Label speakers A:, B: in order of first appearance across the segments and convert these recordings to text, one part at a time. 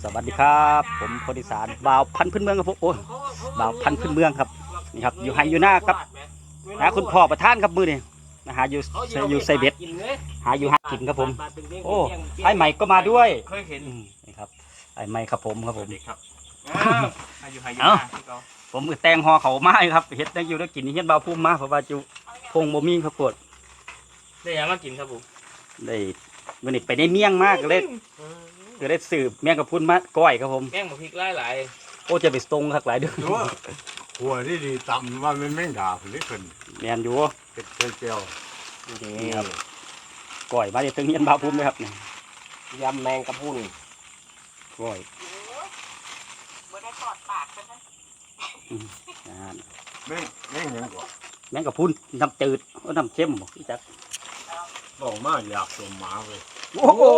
A: สวัสดีครับผมคนอีสานบ่าวพันธุ์พื้นเมืองครับผมโอ้บ่าวพันธุ์พื้นเมืองครับนี่ครับอยู่ไฮอยู่หน้าครับหาคุณพ่อประธานครับมือนี่นะหาอยู่ไซเบ็ดหาอยู่หากินครับผมโอ้ไอ้ใหม่ก็มาด้วย
B: เคยเห็น
A: นี่ครับไอ้ใหม่ครับผมครับผม
B: ครับอยู่
A: ผมก็แต่งห่อเขาไม้ครับเฮ็ดได้อยู่ได้กินเฮ็ดบ่าวพุ่มมาเพราะว่าจุพงบ่มีครับปวด
B: ได้ยังมากินครับผม
A: ได้มื้อนี้ไปได้เมี่ยงมากเลยก็ได้สืบเมี่ยงกับพุ่นมาก้อยครับผม
B: แกงบุพริกหลาย
A: โอ้จะไปตรงคักหลายเด้อ
C: หัวที่ดีต่ำว่ามันไม่ด่าผลิตคน
A: แม่นอยู่
C: เป็นเจียว
A: นี่ครับก้อยมาได้ถึงเฮียนบ่าวพุ่มเลยครับนี่
B: ยำแมงกะพรุน
A: ก้อย
D: บ่ได้ทอดปากกันนะ
C: ไม่เห็นก่อน
A: แม่งกับพุ่นน้ำจืดน้ำเค็มบ่พี่จัก
C: บอกมาอยากสมหมาเลย
A: โอ้โห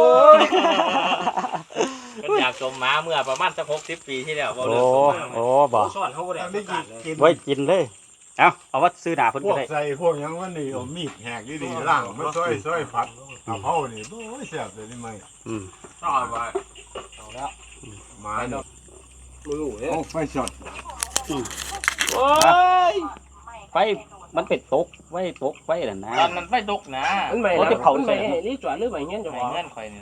B: ก็อยากสมหมาเมื่อประมาณสัก60 ปีที่แล้ว
A: โอ้บ่
B: ซ่อนเขาบ่ได้
C: กิน
A: ไว้กินเลยเอาว่าซื้อหนาเพิ่นก็ได้
C: ใส่พวกยังว่านี่เอามีดแหกดีๆล่างมันซอยผัดกับเผานี่โอ้ยแซ่บเลยนี่ไหม
B: ซ่อนไว้เอาแล้ว
C: มา
B: มือ
C: โอ้ไฟช็อต
B: โอ้ย
A: ไฟมันเป็ดตกไว้ตกไฟนั่นนะ
B: มันไฟตกนะ
A: โอ้จะเผาใส่
B: นี่จอดหรือไงเงี้ยจะเงี้ยข่อยนี่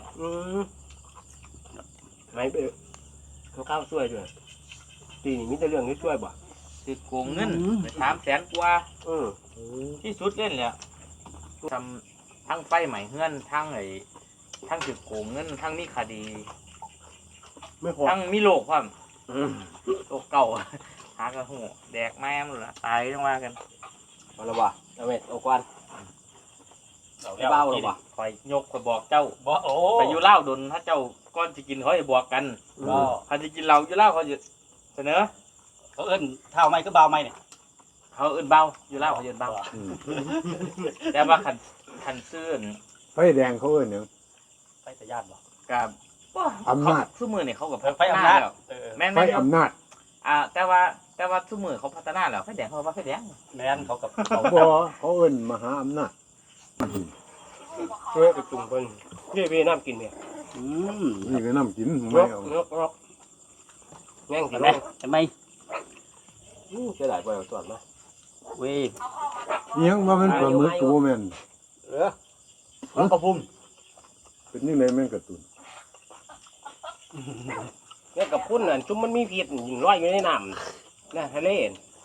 E: ไม่ไปเขาข้าวช่วยด้วยตีนี่มีแต่เรื่องนี้ช่วยบ่
B: ติดโกงเงิน300,000 กว่าที่สุดเล่นเลยทำทั้งไฟใหม่เฮือนทั้งติดโกงเงินทั้งมีคดี
E: ไม่พอ
B: ทั้งมีโรคความโรคเก่าหากระหูแดกแม่มเลยตายต้องว่ากัน
E: เอาละบ่เอาเม็ดเอาควันเบ้าหรอบ่
B: คอยยกคอยบอกเจ้าไปอยู่เล่าดนถ้าเจ้าก้อนจะกินเขาจะบอกกันเขาจะกินเราอยู่เล่าเขาจะเสนอ
A: เขาเอิ้นเท่าไม้ก็เบาไม้เนี่ย
B: เขาเอิ้นเบาอยู่เล่าเขาเอิ้นเบาแต่ว่าขันซื่น
C: ไฟแดงเขาเอิ้นเนี่ย
A: ไฟสยานบ่
B: กับ
C: อำนาจ
B: สู้มือเนี่ยเขากับ
A: ไฟอำนาจ
B: แม่
C: ไฟอำนาจ
B: แต่ว่าสู้มือเขาพัฒนาแล้วไฟแดงเขาว่าไฟแดง
A: แม่นเขากับ
C: เขาเอิ้นมหาอำนาจ
E: เฮ้ยไปจุ่มเพิ่นนี่พี่น้ำกินเนี่ย
C: นี่ก็น้ำกินไม่เอา
E: แง่งกิน
A: ใช่ไหม
E: จะได้ไปเอาส่วนมา
A: เว้ย
C: ยังว่ามันปลาหมึกตัวแม่น
E: มันกระพุ่ม
C: เป็นยังไงแม่งกระตุน
E: เนี่ยกระพุ่นน่ะจุ่มมันมีพิษยิงลอยอยู่ในน้ำนะทะเล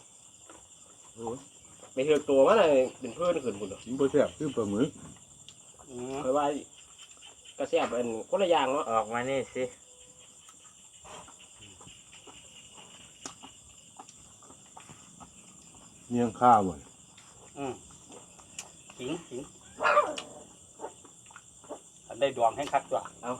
E: ไม่เถื่อตัวมันเลยเป็นเพื่อนขึ้นบุญหรอ
C: บ่แซ่บคือปลาหมึก
E: เพราะว่ากระแสเป็นคนละอย่างเนาะ
B: ออกมานี่สิ
C: เมี่ยงข้าวหมด
A: ขิงได้ดวงให้คักตัวเอา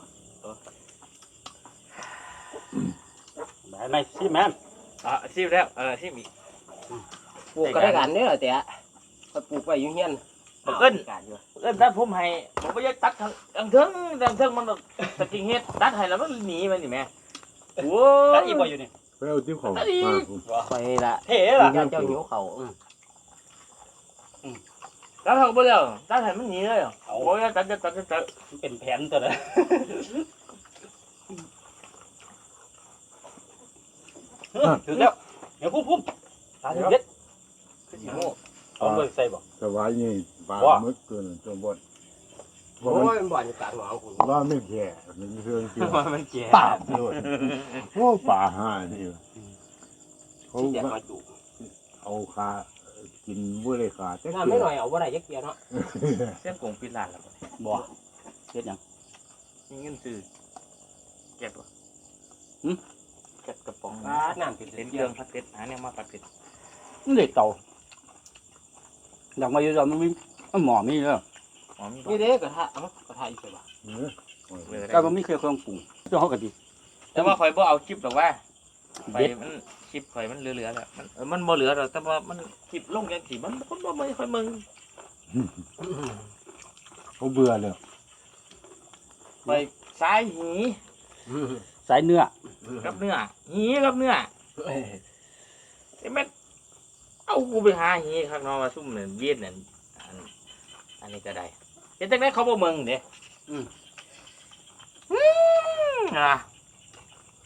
A: ได้ไหมซิแม่น
B: ซิแล้วซิมี
E: ปลูกก็ได้กันเนี่ยแต่ก็ปลูกไปอยู่เฮียน
B: เอิ้นถ้าผมให้ผมก็จะตัดทางเทิงมันตะกิ้งเฮ็ดตัดให้แล้วมันหนีมันนี่แม่
A: โอ้ตัดอีกบ่อยู่นี่
C: ไปเอาที่เขา
E: ไปละ
A: เท่ล่ะ
E: เจ้าหิวเขา
B: ตัดเขาบ่แล้วตัดให้มันหนีเลยโอ้ยตัด
A: เป็นแผนตัวนั้นถึงแล้วเดี๋ยวพุ่มตาเด็ดคือสิโม่เอาเบิ่งใส่บ่
C: สบายนี่ปลาหมึกตัวนั้นตัวบ่
E: โอ้ยมันบ่อนอยู่กลางหนองคุณ
C: ว่าไม่แก่มันเรื่องเกี่ยว
B: มันแก่
C: ปาบด้วยโอ้ป่าห่านี่เขาเอาคากินบ่ได้ขาแต่
E: ไม่หน่อยเอาบ่ได้ยักเกียร์เนาะ
B: เส้นกงปิดร้านแล้ว
A: บ่เฮ็ดหยัง
B: มีเงินซื้อเก็บบ่เก็บกระป๋อง
E: น้ำเป็น
B: เครื่องผัดเผ็ดหาเนี่ยมาผัดเผ็ด
A: นี่เด็กเต่าอยากมาอยู่ๆมันมีหมอมีเด้อ
E: นี่เด้กระทะกระทะอีกบ่
A: ก็มันมีเครื่องปรุงเจ้าเฮาก็ดี
B: แต่ว่าข่อยบ่เอาคลิปหรอกว่าไปมันคลิปข่อยมันเหลือแล้วมันบ่เหลือหรอกแต่ว่ามันคลิปลงจังซี่มันคนบ่ไม่ค่อยมึง
C: เขาเบื่อแล้ว
B: ไปสายหี
A: สายเนื้อ
B: กับเนื้อหีกับเนื้อไอ้แม่เอากูไปหาหีข้างนอกมาซุ่มเนี่ยเวียดเนี่ยอันนี้ก็ได้เห็นจังได๋เขาบ่มึงเด้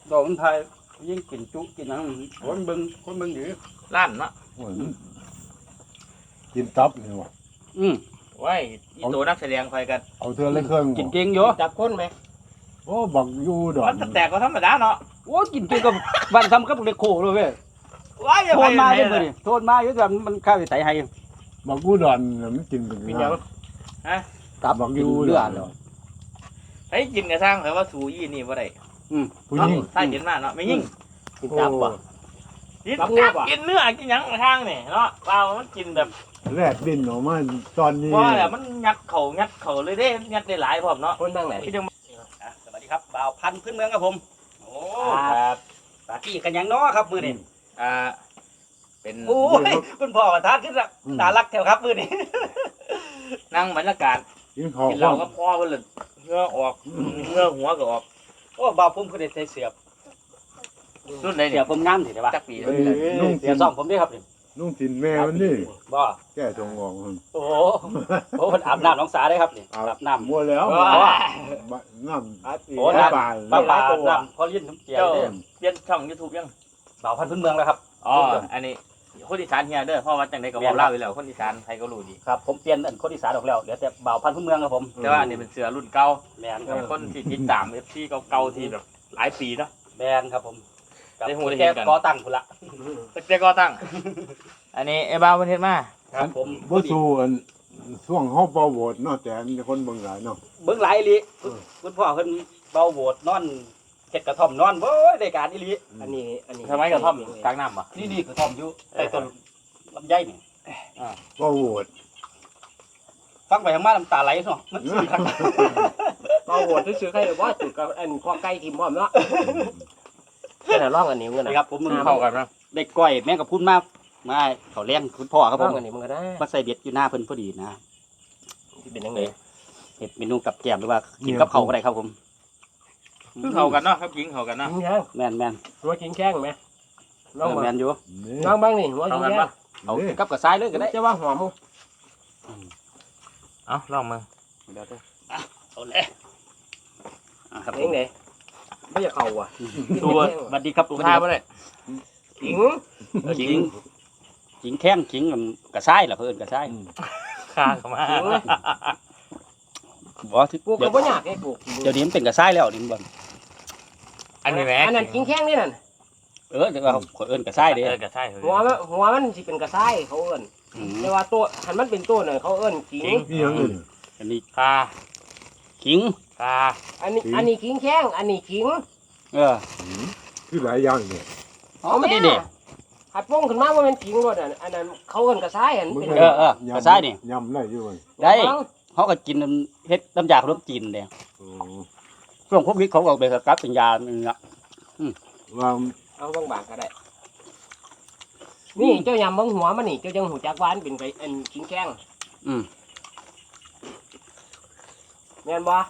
A: ดอกมันไทยยิ่งกินจุกินอะไรคนเบิ่งอยู่
B: ล้านเนาะ
C: โอ้ยกินตับนี่วะ
B: ไว้อีตัวนักแสดงคอยกัน
C: เอาเธอเลยเครื่อง
A: กินเก่งอยู่
E: จับก้นไหม
C: โอ้บักอยู่ดอก
B: มันจะแตกก็ธรรมดาเนาะ
A: โอ้กินเก่งกับบ้านทำกับเล็กโคเลยเว้ย
B: ว้ายอย่า
A: โท
B: ไป
A: นมาเยอะเลยโทนมาเยอะแต่มันข้าวใส่ให้
C: บักอยู่ดอนน่ะมันกินเป็น
E: เป็นหยัง
A: ตับ
C: บักอ
A: กิน
C: ยู่
A: เลื
C: ด
A: อ
C: อ
A: ด
C: น
A: เลย
B: เฮ้ยกินกระซังแต่ว่าสูยี่นี่บ่ได้
C: ผู้หญิง
B: ถ้ากินมากเนาะไม่ยิ่ง
E: กินจับบ่
B: กิน
E: รับเนื้อป่ะ
B: กินเนื้อกินหยังทางนี่เนาะเปล่ามันกินแบบ
C: แลดดินออกมาตอนนี้
B: ว่าแต่มันยัดเข่าเลยเด้ยัดได้หลายพร้อมเนาะ
E: คนนั่งไหน
B: พี่จัง
A: สวัสดีครับบ่าวพันธุ์พื้นเมืองครับผมโอ้
B: ครับ
A: ปากี้กันยังน้อครับมือนี่
B: อ่าเป็น
A: โอ้ยคุณพ่อประทานขึ้นละน่ารักแถวครับมือนี่
B: นั่งบรรยากาศ
C: กินข้าว
B: กินเหล้าก็พอเพิ่นเลยเหงื่อออกเหงื่อหัวก็ออก
A: โอ้บ่าวผมคือได้ใส่เสือ
B: รุ่นไหน
A: เสื
B: เนี่
A: อย ผมงามสิได้ป่ะ
B: จักปี
C: เอ้ยนุ่ง
A: เสื
C: สิ
A: อน ซ่อมผมด้วยครับนี่
C: นุ่งสินแม่มันนี่
A: บ่
C: แก้ทรงออกมัน
A: โอ้โหโอ้มันอาบน้ำน้องสาได้ครับนี่อาบน้ำ
C: มัวแล้ว น้ำ
A: โอ้น้ำ
C: ป่า
A: ปลาปลาน้ำพอเลี้ยนน้ำเจียว
B: เจ้า
A: เด้อ
B: เปลี่ยนช่อง YouTube ยัง
A: บ่าวพันธุ์พื้นเมืองแล้วครับ
B: อ๋ออันนี้คนอีสานเฮียเด้อเพราะว่าจังได๋ก็เว้าเล่าวอยู่แล้วคนอีสานใครก็รู้ดี
A: ครับผมเปลี่ยนอันคนอีสานออกแล้วเหลือแต่บ่าวพันธุ์พื้นเมืองครับผม
B: แต่ว่าอันนี้เป็นเสือรุ่นเก่า
A: แมนครับ
B: คนที่ติดตาม FC เก่าๆที่แบบหลายปีเนาะ
A: แมนครับผมกับ
B: ได้หูได้
A: แก
B: เห็นกัน
A: ก่อตั้งพุ่นละ
B: ตั้งแต่ก่อตั้ง อันนี้ไอ้บ้าวเพิ่นเฮ็ดมา
A: ครับผม
C: บ่สู้อันช่วงเฮาเป่าโหวตเนาะแต่มีคนเบิ่งหลายเนาะ
A: เบิ่งหลายอีหลีคุณพ่อเพิ่นเบาโหวดนอนเฮ็ดกระท่อมนอนโว้ยได้การอีหลี
E: อันนี้
B: ทำไมกระท่อมกลางน้ำบ่
A: นี่กระท่อมอยู่ใต้ต้นลำไยนี่
C: เป่าโหวต
A: ฟังไปทางมาน้ำตาไหลเนาะมันสิครับ
E: เราโหวตซื้อใครว่าจุดกับอันข้อไก่ทีมพร้อมเนาะแค่ร่องอันนี้มึง
A: นะ
E: นะครับ
A: ผมมึง
B: เข้ากันนะ
A: ได้ก้อยแม่งกับพุ่นมาเขาเลี้ยงคุณพ่อครับผ
E: ร่อ
A: ม
E: งอันนี้มึงก็ได้
A: มาใส่เบ็ดอยู่หน้าเพิ่นพอดีนะ
E: ที่เป็นยังไง
A: เฮ็ดเมนูกับแกล้มหรือว่ากินกับข้าวก็ได้ครับผม
B: คือเข้ากันเนาะครับหญิงเข้ากันเนาะ
E: กินยัง
A: แม่น
E: หัวกินแข้งไหมน้อง
A: แม่นอยู่
C: นี่
E: น้องบ้างนี่หัว
B: เข้า
E: กิน
B: กัน
E: แข้
B: ปะ
E: ง
A: เอากับกระซ้ายเลยก็ได้
E: จะว่าหอม
B: เอ้าลองมึง
A: เดี๋ยวเด้อเอาเลยครับผ
E: เอง
A: ม
E: ไหนไม่อยากเข่าอ่ะ
B: ตัว
A: สวัสดีครับ
B: ตัว
A: สวัสดี
B: ท่า
A: ครับ
B: บ่ได้
E: หิง
A: จิงแข้งจิงกระซ้ายล่ะเพิ่นกระซ้าย
B: ข้าเข้ามา
A: บ่ที่
E: ปลูกก็บ่ยากไอ้ปลูก
A: เดี๋ยวนี้มันเป็นกระซ้ายแล้วนี่บ่
B: อันนี้แหม
E: อันนั้นกินแข้งนี่นั่น
A: เดี๋ยวขอเอิ้นกระซ้ายเด้
B: ก็ใช่
E: หัวมันสิเป็นกระซ้ายเขาเอิ้น
A: อืม
E: แต่ว่าตัวหันมันเป็นตัวน่ะเขาเอิ้นกิง
C: นี่ยังอื่น
A: อันนี้
B: ข้า
A: ขิง
B: ข้า
E: อันนี้กิงแข้งอันนี้กิง
C: คือหลายอย่างเนี่ย
A: อ๋อไม่ได้เด้
E: หัดป้งขึ้นมาว่ามันกิงรถอันนั้นเขาเอิ้นกระซ้ายอันเป็น
A: กระซ้ายนี่
C: ยำได้อยู่เว้ย
A: ได้เขาก็กินเฮ็ดน้ำยาขนมจีนเด้
C: โอ้
A: ช่วงโควิดเขาก็เอาไปกับเป็นยานึงละ
C: ว่า
E: เอาบางๆก็ได้ นี่เจ้ายำเบังหัวมันนี่เจ้าจังหูจักหวาอันเป็นไปอันกินแข้ง
A: อืม
E: แม่นบ่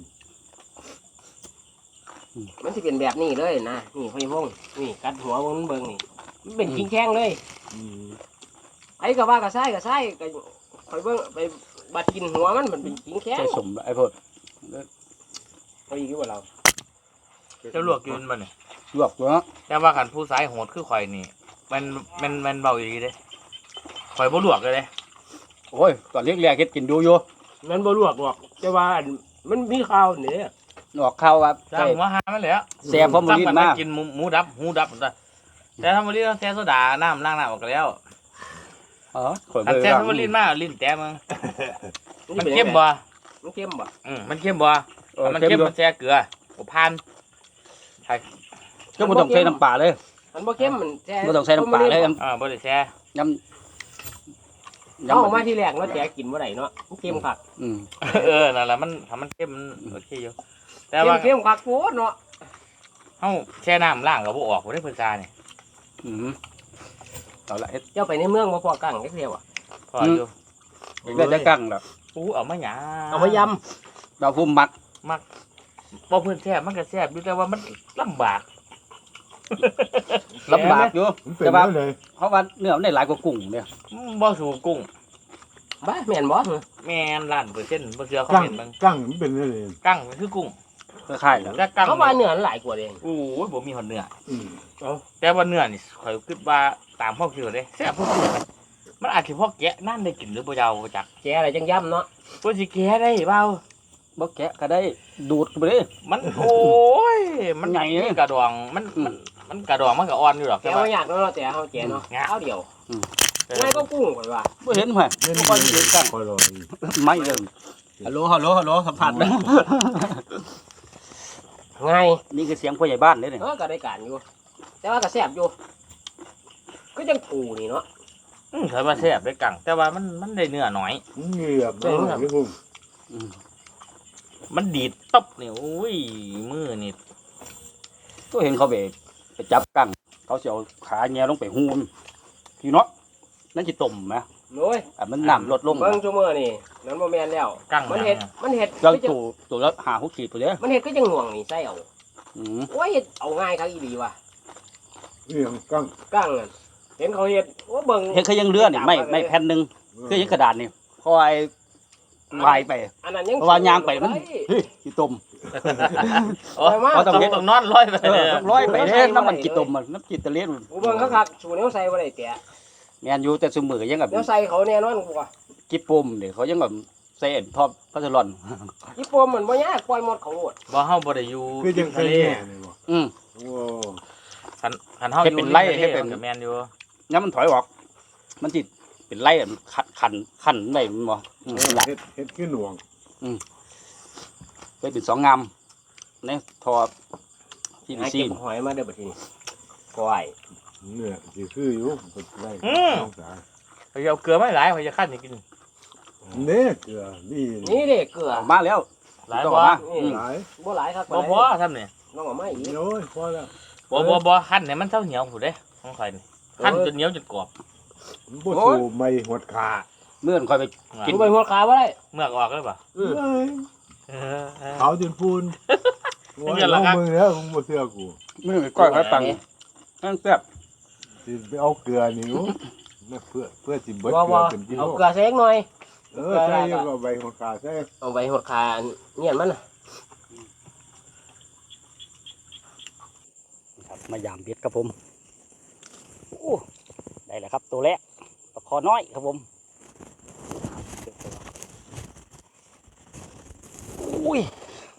E: มันสิเป็นแบบนี้เลยนะนี่ห้อยพงนี่กัดหัวมันเบิ่งนี่มันเป็นกินแข้งเลย
C: อืม
E: ไอ้ก็ว่ากระซ้ายก็คอยเบิ่งไปบัดกินหัวมันเป็นกินแข้ง
A: ใส่สมไอ้พวก
E: เอาอีกว่าเรา
B: จะลวกกินมันนี่
A: ลวกเนาะ
B: แต่ว่าคันผู้สายโหดคือข่อยนี่มันเบาอยู่ดีเด้ข่อยบ่ลวกเลยเด้
A: โอ้ยตอนเรียกเฮ็ดกินดูอยู่
E: มันบ่ลวกหรอกแต่ว่าอันมันมีข้าวนี่
A: ออกข้าวว่า
B: จ้างหัวหามันแหละ
A: แซ่บพอมื้อนี้มา
B: กินหมูดับหูดับแต่ถ้ามื้อนี้ต้องแซ่โซดาน้ำล้างหน้าออกแล้ว
A: อ๋อข่อย
B: อัน
A: บ่
B: แซ่
A: ได้
B: ถ้ามันลิ้นมาลิ้นแต้มึงมัน
E: ป็น
B: เข้มบ่
E: มันเข้มบ่
B: มันเข้มบ่ถ้ามันเข้มมันแซ่เกลือบ่ผ่าน
A: ก็บ่ต้องใส่น้ำปลาเลย
E: มันบ่เข้มมันแท้
A: บ่ต้องใส่น้ำปลาเลย
B: บ่ได้แซ่
A: ยำ
E: เอามาที่แรกเนาะแท้กินบ่ได้เนาะมันเข้มคัก
B: นั่นแหละมันถ้ามันเข้มมันโอเคอยู่แต่
E: เข้
B: ว่าม
E: เข้มคักโพดเนาะ
B: เฮาแช่น้ำล้างก็บ่ออกบ่ได้เพิ่นซานี่
A: เอาละเฮ็ด
E: เจ้าไปในเมืองบ่พอกั้งจักเที่ยวอ่ะ
B: พออยู่
A: ได้จะกั้งล่ะ
B: เอามาหยา
E: เอามาย
A: ดาวพุ่มมัก
B: บ่เพิ่นแซ่บมันก็แซ่บอยู่แต่ว่ามันลำบาก
A: ลำบากอยู่
C: มันเป็นได้เลย
A: เพราะว่าเนื้อมันได้หลายกว่ากุ้งเนี่ย
B: บ่สู่กุ้ง
E: ำบ้าแม่นบ่
B: แม่นล้านเปอร์เซ็นต์บ่เชื่อเขา
C: กั้ง
B: เห็นมึง
C: กั้งมันเป็นได้เลย
B: กั้งมันคือกุ้ง
A: ก็คล้ายๆแล้ว
B: แต่กั้ง
E: เขาว่าเนื้อมันหลายกว่าเอง
B: โอ้ยบ่มีหอดเนื้อ
C: อืม
B: แต่ว่าเนื้อนี่ข่อยคิดว่าตามพ่อคือเลยแซ่บพวกมันอาจสิพอแกะนั่นได้กินหรือบ่ยาวจัก
E: แกอะไรจังย่ำเนาะ
B: เพิ่นสิแกะได้เปล่า
A: บ่แกะก็ได้ดูดเข้าไปเลย
B: มันโอ้ยมัน
A: ใหญ่เลย
B: กระดองมันกระดองมันก็อ่อนอยู่หรอก
E: แก
B: แต่ว่า
E: ว่าอยากเนาะแต่เขาแกเนาะข้าวเดียวง่ายก็กุ้งก่อนว่า
A: บ่เห็นห่วยบ่ค่อยเห็นกัน
C: คอยรออีก
A: ไม่เด้อฮัลโหลฮัลโหลฮัลโหลสัมผัสนะ
E: ง่าย
A: นี่คือเสียงผู้ใหญ่บ้านเด้อนี่
E: ก็ได้การอยู่ แต่ว่าก็แซ่บอยู่ก็จังปูนี่เนาะ
B: เคยมาแซ่บได้กังแต่ว่ามันได้เนื้อน้อย
C: เหงือบน้อยนี่พุ่ม
A: อืม
B: มันดีดตบนี่โอ้ยมือนี่
A: ก็เห็นเขาไปจับกั้งเขาสิเอาขาแงลงไปหูมพี่เนาะนั่นสิต้มไหม
E: โอ้ย
A: อ่ะมันน้ำลดลง
E: เบิ่งชั่วโมงนี่นั้นบ่แม่นแล้ว
B: กัง
E: มัน
B: ห
E: เฮ็
B: ยั
E: ด
B: ง
E: มันเฮ็ด
A: เราตัวละ5-6ขีดไปเด้อ
E: มันเฮ็ดก็จังห่วงนี่ใส่เอา
A: อืม
E: โอ้ยเอาง่ายครับอีหลีว่ะ
C: เรื่องกั้ง
E: กั้งนั่นเห็นเขาเฮ็ดโอ้เบิ่ง
A: เห็นเขายังเลื่อนนี่ไม่แผ่นหนึงคือยังกระดาษนี่คอยลายไป
E: อันนั้นยัง
A: เพราะว่ายางไปมันเฮ้ยสิต้ม
B: โอ้ยต้องนอนร้อยไป
A: เอ
B: เล
A: อย ต้องร้อยไปเด้น้ำมันกี่ต้มมันน้ำจิตตะเลียน
E: กูเบิ่งคักๆสูแนวใส่บ่ได้แตะ
A: แม่นอยู่แต่ซุมื้อยังแบบ
E: แนวใส่เขาแน่นอนกูว่า
A: จิปมเดี๋ยวเขายังแบบใส่เอ็นทอดพัสลอน
E: ญี่ปมมันบ่ยากปล่อยหมดเขาโลด
B: บ่เฮาบ่ได้อยู่
C: คือจัง
B: ทะเล
C: แม่นี่บ่
A: อืม
C: โอ้
B: คันเฮาอยู่
A: ให้เป็นไร่
B: ทะล
A: ให้เป็น
B: ก็แม่นอยู่
A: ย้ำมันถอยออก มันจิเป็นไล่มันขันได้มันบ่อืมหลาย
C: เฮ็ดคือหน่วง
A: ไปเป็น2 งามในทอที่
E: หา
A: ซี
E: เก็บหอยมาเด้อบัดทีนี้ก้อย
C: เนื้อสิคืออยู่บ่ได้ต้องสา
B: ข่อยเอาเกลือมาหลายข่อยจะคั่นให้กิน
C: เนื้อเกลือนี่
E: นี่เด้เกลือ
A: ออกมาแล้ว
B: หลาย
A: ต้อง
B: บ่
A: ออกมา
C: หลาย
E: บ่หลายครับ
B: บ่พอทำนี่
E: น้องเอามาอีก
C: โอ้ยพอแล้ว
B: บ่คั่นให้มันเท่าเหนียวผู้เด้ของข่อยนี่คั่นจนเหนียวจนกรอบ
C: บ่สู่ไม่หดขา
A: เมื่อนคอยไป
E: กินไปหัวขาบ่ได้
B: เมือกออกเลยป่ะ
C: เอ้ย
B: เออ
C: เขาจนพูน
B: นี่เงินละครับ
C: มึงแล้วมึงบ่เชื่อกู
A: เมื่อก้อยไว้ปังนั่นแซ่บ
C: สิไปเอาเกลือนี่อยู่เพื่อสิเบิด
E: บ่
C: เกลื
E: บ่
C: อเป็นกิโล
E: เอาเกลือใส่หน่อย
C: ใช่ก็ใบหดขาใช่
E: เอาไว้หัวขาเงียนมันน่ะ
A: ครับมายามเบ็ดครับผมโอ้ได้แล้วครับตัวแรกปลาคอน้อยครับผมอุ้ย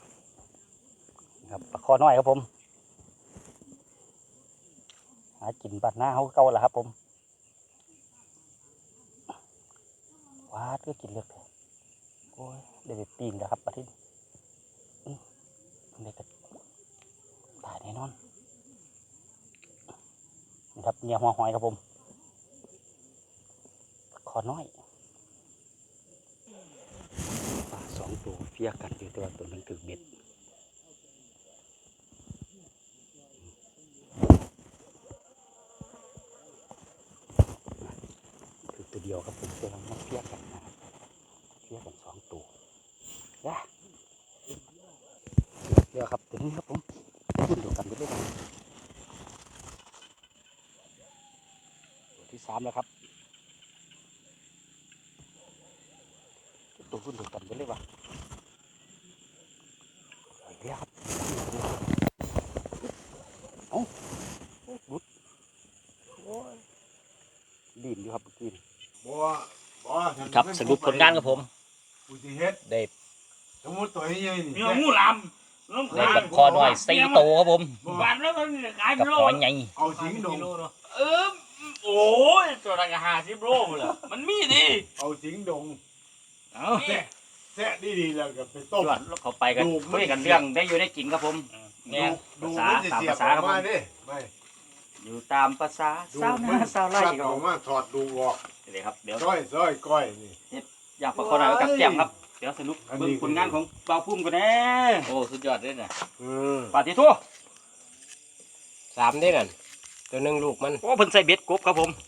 A: ครับปลาคอน้อยครับผมหากินบัดหน้าเขาเก่าแล้วครับผมว้าดก็กินเลือดเลยโอ้ยได้ไปปีนแล้วครับปลาทินได้กระตายแน่นอนนี่ครับเนี่ยหัวหอยครับผมขอน้อยปลา2 ตัวเฟียกันอยู่ตัวตัวหนึงถึงเบ็ดคือตัวเดียวครับผมตัวนั้นเฟียกันนะครับเฟียกัน2 ตัวนะเดี๋ยวครับตัวนี้ครับผมรุ่นเดียวกันไปเลยตัวที่ 3แล้วครับตัวรุ่นเดียวกันไปเลยวะเดี๋ยวครับเอ้าบุดโอ้ยดินอยู่ครับเมื่อกี้นี่
C: บ่บ่
A: ครับสรุปผลงานครับผม
C: กูสิเฮ็ด
A: ได้
C: สมมุติตัวนี้นี่
B: มีหมูลำน้ำ
A: ได้กับคอหน่อย4 ตัวครับผม
B: บานแล้วมันขาย
A: กับหอยใหญ่
C: เอาสิงดง
B: โอ้ยตัวละ50 โลเลยมันมีดิ
C: เอาสิงดง
A: เอา
C: แทะดีๆแล้วก็ไปต้ม
A: จวดแล้วเขาไปกันคุยกันเรื่องได้อยู่ได้กินครับผมเนี่ย
C: ดู
A: ภาษา
C: มันจะ
A: ตาม
C: เสียบ
A: ภาษา
C: ออ
A: ครั
C: ก
A: บผ
C: มาม ดิไม่
A: อยู่ตามภาษา
C: ดู
A: สาว
C: มั
A: นาสาวไร่
C: สับ
A: ครั
C: อบ อก
A: ผม
C: มาถอดดูออก
A: เลยครับเดี๋ยว
C: ก้อยก้อยนี่
A: อยากประคองอะไรกับแก้มครับเดี๋ยวสรุป
C: อันนี้
A: เบิ่งผลงานของเบาพุ่มกันแน่
B: โอ้สุดยอดเลยนะ
A: ปาฏิทั่ว
E: 3ได้นั่นตัวหนึงลูกมัน
A: โอ้เพิ่นใส่เบ็ดกบครับผม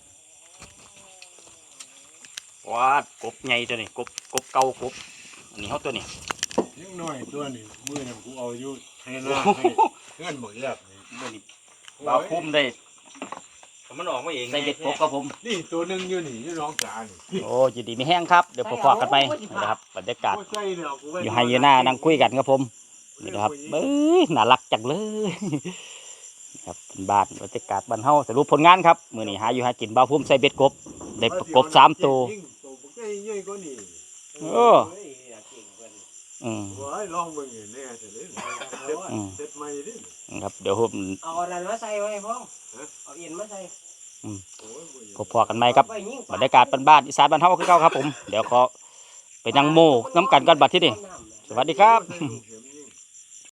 A: ว้าดกบใหญ่ตัวนี้กบเก่ากบอันนี้เขาตัวนี้
C: ยังน้อยตัวนี่มือนี่กูเอาอยู่ให้หน้าให้เพื่อนหมดแล้วนี่
A: ตัวนี้เบาพุ่มได้
B: มันออกมาเอง
A: ใส่เบ็ดกบครับผม
C: นี่ตัวหนึงอยู่นี่อยู่น้องจ๋านี่
A: โอ้ยินดีไม่แห้งครับเดี๋ยวพอๆกันไปนะครับบรรยากาศ
C: โอ้ใช่แล้วกูว้
A: อยู่ไฮยีน่านั่งคุยกันครับผมนี่นะครับเอ้ยน่ารักจังเลยครับเป็นบ้านบรรยากาศบ้านเฮาสรุปผลงานครับมื้อนี้หาอยู่หากินบ่าวพุ่มใส่เบ็ดกบได้กบ3ตัวโอ้
C: ว้ายลองเบิ่งอยู่เนี่ยเสร็จเลยเสร็จใหม่ดิ
A: ครับเดี๋ยวผม
E: เอาอันนั้นมาใส่ไว้พ่อเอาเอ็นมาใส่
A: พอๆกันไหมครับ
E: ไว้ยิง
A: บรรยากาศบ้านๆอีสานบ้านเฮาคือเก่าครับผมเดี๋ยวขอไปนั่งโม่น้ำกันก่อนบัดที่นี่สวัสดีครับ
C: เห็น